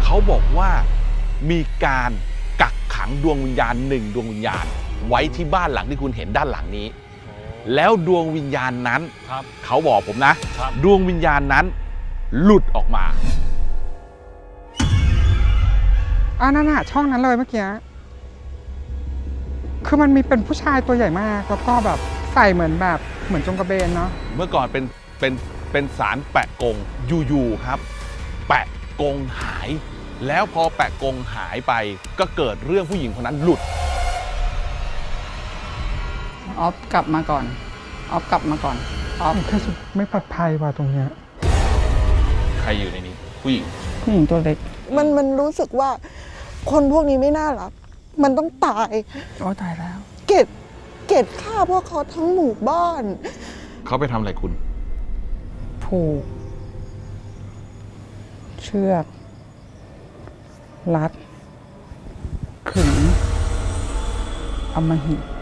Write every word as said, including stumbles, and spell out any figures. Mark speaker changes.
Speaker 1: เขาบอกว่ามีการกักขังดวงวิญญาณหนึ่งดวงวิญญาณไว้ที่บ้านหลังที่คุณเห็นด้านหลังนี้แล้วดวงวิญญาณนั้นเขาบอกผมนะดวงวิญญาณนั้นหลุดออกมา
Speaker 2: อ่านั่นน่ะช่องนั้นเลยเมื่อกี้คือมันมีเป็นผู้ชายตัวใหญ่มากแล้วก็แบบใส่เหมือนแบบเหมือนจงกระเบนเนาะ
Speaker 1: เมื่อก่อนเป็นเป็นเป็นสารแปะกงอยู่ๆครับแปะกงหายแล้วพอแปะกงหายไปก็เกิดเรื่องผู้หญิงคนนั้นหลุด
Speaker 3: ออฟกลับมาก่อนออฟกลับมาก่อนออฟ
Speaker 2: แค่ไม่ปลอดภัยว่ะตรงเนี้ย
Speaker 1: ใครอยู่ในนี้ผู้หญิง
Speaker 3: ผู้หญิงตัวเล็ก
Speaker 4: มันมันรู้สึกว่าคนพวกนี้ไม่น่ารักมันต้องตาย
Speaker 3: โอ้ตายแล้ว
Speaker 4: เก็บเก็บฆ่าพวกเขาทั้งหมู่บ้าน
Speaker 1: เขาไปทำอะไรคุณ
Speaker 3: ผูกเชือกรัดขึงอำมหิต